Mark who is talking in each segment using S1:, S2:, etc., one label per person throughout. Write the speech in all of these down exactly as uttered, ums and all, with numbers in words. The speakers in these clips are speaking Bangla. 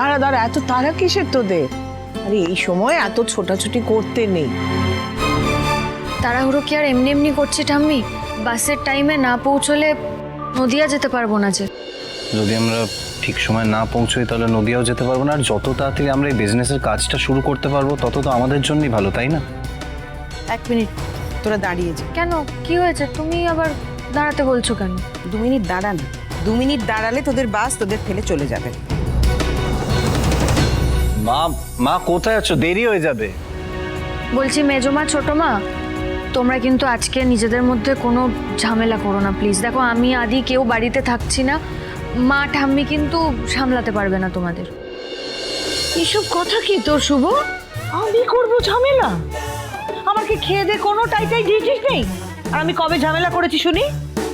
S1: দাঁড়া দাঁড়া, এত তারা কিসের তোদের? আরে এই সময় এত ছোটাছুটি করতে নেই।
S2: তাড়াহুড়ো কি আর এমনি এমনি করছি ঠাম্মি? বাসের টাইমে না পৌঁছলে নদিয়া যেতে পারবো না যে।
S3: যদি আমরা ঠিক সময় না পৌঁছই তাহলে নদিয়াও যেতে পারবো না, আর যত তাড়াতাড়ি আমরা এই বিজনেসের কাজটা শুরু করতে পারবো তত তো আমাদের জন্যই ভালো, তাই না?
S4: এক মিনিট, তোরা দাঁড়িয়ে যা।
S2: কেন, কি হয়েছে? তুমি আবার দাঁড়াতে বলছো কেন?
S4: দু মিনিট দাঁড়া না, দু মিনিট দাঁড়ালে তোদের বাস তোদের ফেলে চলে যাবে।
S3: মা মা কোথায় আছো? দেরি হয়ে যাবে।
S2: বলছি মেজমা ছোট মা, তোমরা কিন্তু আজকে নিজেদের মধ্যে কোনো ঝামেলা করো না প্লিজ। দেখো আমি আদি কেউ বাড়িতে থাকছি না, মা ঠাম্মি কিন্তু সামলাতে পারবে না তোমাদের।
S1: এসব কথা কি তোর শুভ? আমি করবো ঝামেলা? আমার কি খেয়ে দে কোনো টাইটাই ডিউটি নেই? আর আমি কবে ঝামেলা করেছি শুনি?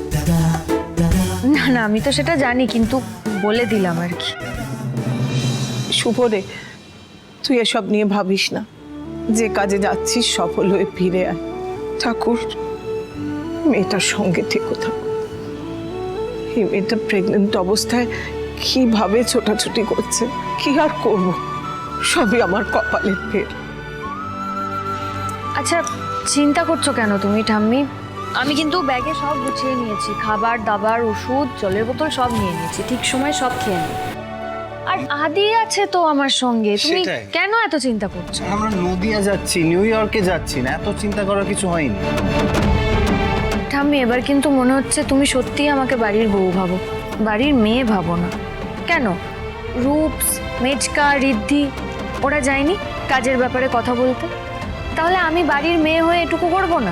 S2: না না, আমি তো সেটা জানি, কিন্তু বলে দিলাম আর কি।
S1: শুভ রে, তুই এসব নিয়ে ভাবিস না। যে কাজে যাচ্ছিস সফল হয়ে ফিরে আয়। ঠাকুর, মেয়েটার সঙ্গে থেকো থাকো। এই মেয়েটা প্রেগনেন্ট অবস্থায় কিভাবে ছোটাছুটি করছে, কি আর করব, সবই আমার কপালের ফের।
S2: আচ্ছা চিন্তা করছো কেন তুমি ঠাম্মি? আমি কিন্তু ব্যাগে সব গুছিয়ে নিয়েছি, খাবার দাবার ওষুধ জলের বোতল সব নিয়ে নিয়েছি, ঠিক সময় সব খেয়ে নিই। আর আদি আছে তো আমার সঙ্গে, তুমি
S3: সেটাই।
S2: কেন এত চিন্তা করছো?
S3: আমরা নদিয়া যাচ্ছি, নিউ ইয়র্কে যাচ্ছি না, এত চিন্তা করার কিছু হয়নি।
S2: ঠাম্মি এবার কিন্তু মনে হচ্ছে তুমি সত্যিই আমাকে বাড়ির বউ ভাবো, বাড়ির মেয়ে ভাবো না। কেন, রূপস, মেজকা, রিদ্ধি ওরা যায়নি কাজের ব্যাপারে কথা বলতে? তাহলে আমি বাড়ির মেয়ে হয়ে এটুকু করবো না?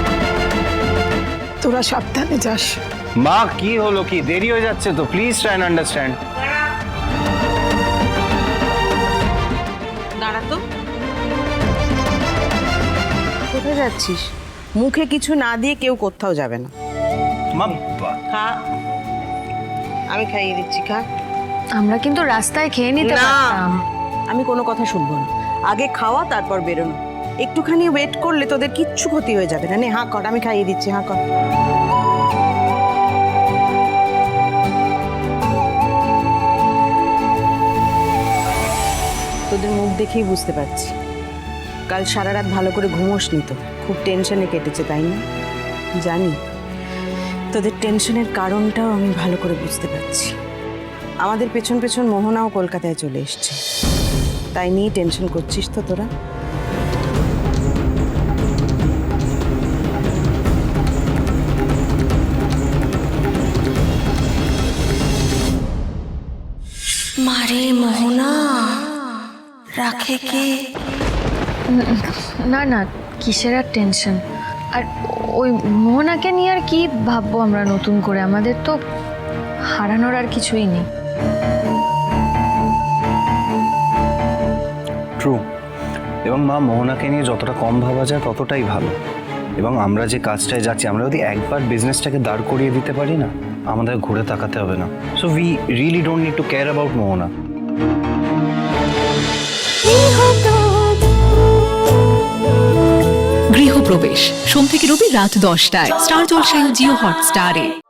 S1: তোরা সাবধানে যাস।
S3: মা কি হলো, কি দেরি হয়ে যাচ্ছে তো, প্লিজ ট্রাই অ্যান্ড আন্ডারস্ট্যান্ড।
S4: দাঁড়া তো।
S2: কোথায় যাচ্ছিস?
S4: মুখে কিছু না দিয়ে কেউ কোথাও যাবে না।
S3: মা
S4: খা, আমি খাইয়ে দিচ্ছি, খা।
S2: আমরা কিন্তু রাস্তায় খেয়ে নিতে
S4: না,
S2: পারতাম।
S4: আমি কোনো কথা শুনবো না। আগে খাওয়া তারপর বেরোনো। একটুখানি ওয়েট করলে তোদের কিচ্ছু ক্ষতি হয়ে যাবে না। নে হাঁ কর, আমি খাইয়ে দিচ্ছি, হাঁ কর। তোদের মুখ দেখেই বুঝতে পারছি কাল সারা রাত ভালো করে ঘুমোসনি তো, খুব টেনশনে কেটেছে তাই না? জানি তোদের টেনশনের কারণটাও আমি ভালো করে বুঝতে পারছি। আমাদের পেছন পেছন মোহনাও কলকাতায় চলে এসছে, তাই নিয়ে টেনশন করছিস তো তোরা?
S5: মারে মোহনা রাখে কে?
S2: না না, কিসের আর টেনশন? আর ওই মোহনাকে নিয়ে আর কি ভাববো আমরা নতুন করে? আমাদের তো হারানোর আর কিছুই নেই।
S3: ট্রু। এবং মা মোহনাকে নিয়ে যতটা কম ভাবা যায় ততটাই ভালো। এবং আমরা যে কাজটায় যাচ্ছি, আমরা যদি একবার বিজনেসটাকে দাঁড় করিয়ে দিতে পারি না, আমাদের ঘুরে তাকাতে হবে না। So we really don't need to care about Mohona.
S6: Grihapravesh সোম থেকে রবি রাত দশটায় স্টার জলসায় ও জিও হটস্টারে।